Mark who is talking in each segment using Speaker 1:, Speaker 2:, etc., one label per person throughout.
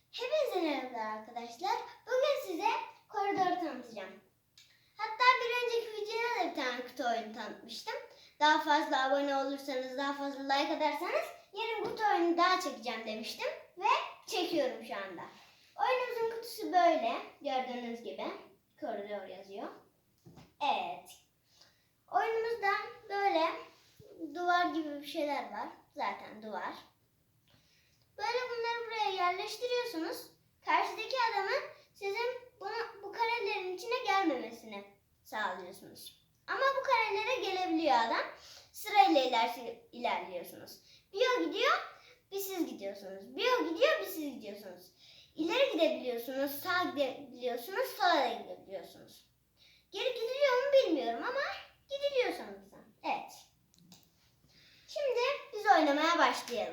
Speaker 1: Hepinize merhaba arkadaşlar. Bugün size koridoru tanıtacağım. Hatta bir önceki videoda da bir tane kutu oyunu tanıtmıştım. Daha fazla abone olursanız, daha fazla like atarsanız yarın kutu oyunu daha çekeceğim demiştim. Ve çekiyorum şu anda. Oyunumuzun kutusu böyle. Gördüğünüz gibi. Koridor yazıyor. Evet. Oyunumuzda böyle duvar gibi bir şeyler var. Zaten duvar. Böyle bunları buraya yerleştiriyorsunuz. Karşıdaki adamın sizin bu karelerin içine gelmemesini sağlıyorsunuz. Ama bu karelere gelebiliyor adam. Sırayla ilerliyorsunuz. Bir o gidiyor, bir siz gidiyorsunuz. Bir o gidiyor, bir siz gidiyorsunuz. İleri gidebiliyorsunuz, sağa gidebiliyorsunuz, sola da gidebiliyorsunuz. Geri gidiliyor mu bilmiyorum ama gidiliyor sanırsam. Evet. Şimdi biz oynamaya başlayalım.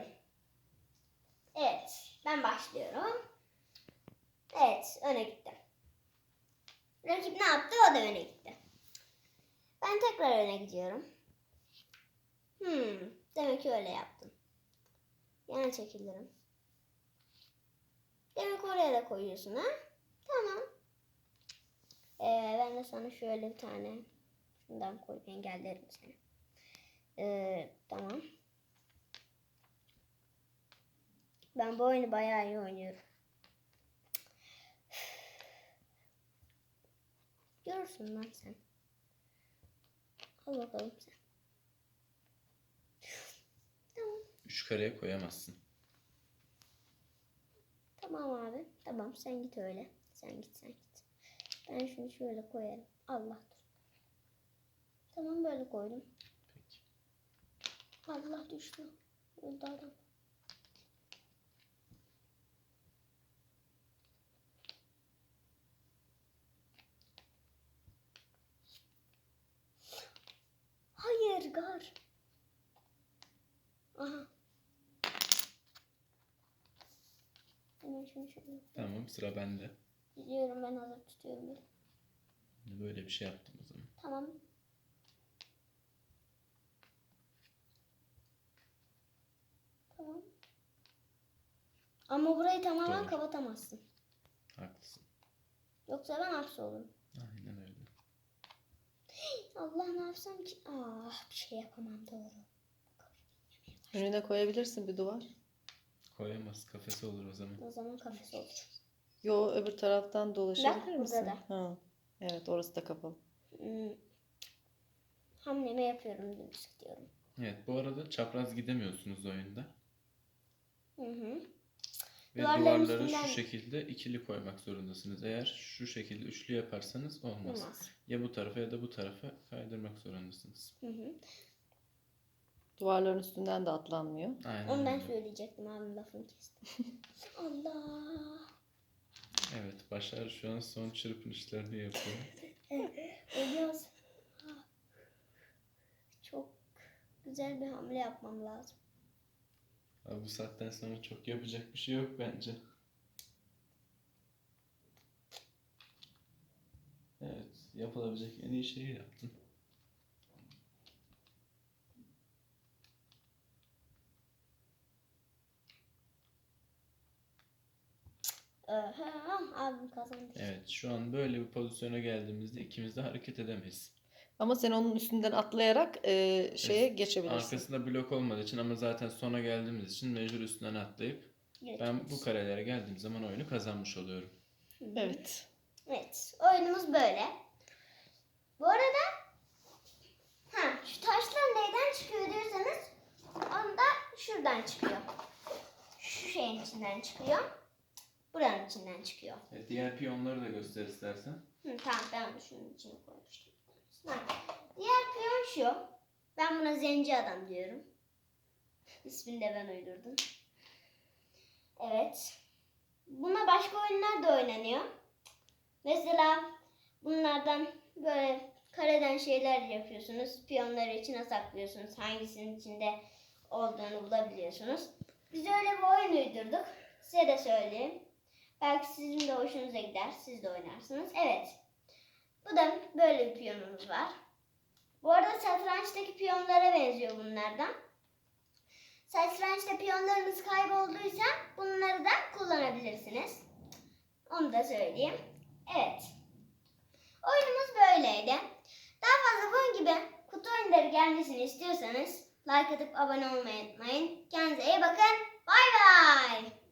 Speaker 1: Evet, ben başlıyorum. Evet, öne gitti. Rakip ne yaptı? O da öne gitti. Ben tekrar öne gidiyorum. Demek ki öyle yaptım. Yana çekilirim. Demek oraya da koyuyorsun ha? Tamam. Ben de sana şöyle bir tane şundan koyup engellerim seni. Tamam. Ben bu oyunu bayağı iyi oynuyorum. Görürsün lan sen. Al bakalım sen. Tamam.
Speaker 2: 3 kareye koyamazsın.
Speaker 1: Tamam abi. Tamam sen git öyle. Sen git. Ben şunu şöyle koyarım. Allah dur. Tamam böyle koydum.
Speaker 2: Peki.
Speaker 1: Allah düştü. Öldü adam. Hayır gar. Aha. Hemen şunu şöyle.
Speaker 2: Tamam, sıra bende.
Speaker 1: Gidiyorum, ben hazır tutuyorum.
Speaker 2: Böyle bir şey yaptım o zaman.
Speaker 1: Tamam. Tamam. Ama burayı tamamen
Speaker 2: Doğru.
Speaker 1: kapatamazsın.
Speaker 2: Haklısın.
Speaker 1: Yoksa ben hapsolurum.
Speaker 2: Aynen öyle.
Speaker 1: Allah, ne yapsam ki? Bir şey yapamam, doğru.
Speaker 3: Önüne koyabilirsin bir duvar.
Speaker 2: Koyamaz, kafesi olur o zaman.
Speaker 1: O zaman kafes olur.
Speaker 3: Yo, öbür taraftan dolaşabilir
Speaker 1: Bak,
Speaker 3: misin?
Speaker 1: burada
Speaker 3: Ha. Evet, orası da kapalı.
Speaker 1: Hamlemi yapıyorum, dümdüz gidiyorum.
Speaker 2: Evet, bu arada çapraz gidemiyorsunuz oyunda.
Speaker 1: Hı.
Speaker 2: Ve
Speaker 1: Duvarların
Speaker 2: duvarları
Speaker 1: üstünden-
Speaker 2: şu şekilde ikili koymak zorundasınız. Eğer şu şekilde üçlü yaparsanız olmaz.
Speaker 1: Olmaz.
Speaker 2: Ya bu tarafa ya da bu tarafa kaydırmak zorundasınız.
Speaker 1: Hı.
Speaker 3: Duvarların üstünden de atlanmıyor.
Speaker 2: Aynen
Speaker 1: Onu ben
Speaker 2: öyle.
Speaker 1: söyleyecektim, abim lafını kestim. Allah.
Speaker 2: Evet, Başar şu an son çırpınışlarını yapıyor.
Speaker 1: Ölüyoruz. Çok güzel bir hamle yapmam lazım.
Speaker 2: Abi bu saatten sonra çok yapacak bir şey yok bence. Evet, yapılabilecek en iyi şeyi yaptın.
Speaker 1: Abim kazandı.
Speaker 2: Evet, şu an böyle bir pozisyona geldiğimizde ikimiz de hareket edemeyiz.
Speaker 3: Ama sen onun üstünden atlayarak şeye geçebilirsin.
Speaker 2: Arkasında blok olmadığı için ama zaten sona geldiğimiz için mecbur üstünden atlayıp ben bu karelere geldiğim zaman oyunu kazanmış oluyorum.
Speaker 3: Evet.
Speaker 1: Evet, oyunumuz böyle. Bu arada şu taşlar neyden çıkıyor diyorsanız, onda şuradan çıkıyor. Şu şeyin içinden çıkıyor. Buranın içinden çıkıyor.
Speaker 2: Diğer piyonları da göster istersen.
Speaker 1: Tamam, ben de şunun içine koymuştum. Diğer piyon şu. Ben buna zenci adam diyorum. İsmini de ben uydurdum. Evet. Buna başka oyunlar da oynanıyor. Mesela bunlardan böyle kareden şeyler yapıyorsunuz. Piyonları içine saklıyorsunuz. Hangisinin içinde olduğunu bulabiliyorsunuz. Biz öyle bir oyun uydurduk. Size de söyleyeyim. Belki sizin de hoşunuza gider. Siz de oynarsınız. Evet. Bu da böyle bir piyonumuz var. Bu arada satrançtaki piyonlara benziyor bunlardan. Satrançta piyonlarınız kaybolduysa bunları da kullanabilirsiniz. Onu da söyleyeyim. Evet. Oyunumuz böyleydi. Daha fazla bunun gibi kutu oyunları gelmesini istiyorsanız like atıp abone olmayı unutmayın. Kendinize iyi bakın. Bay bay.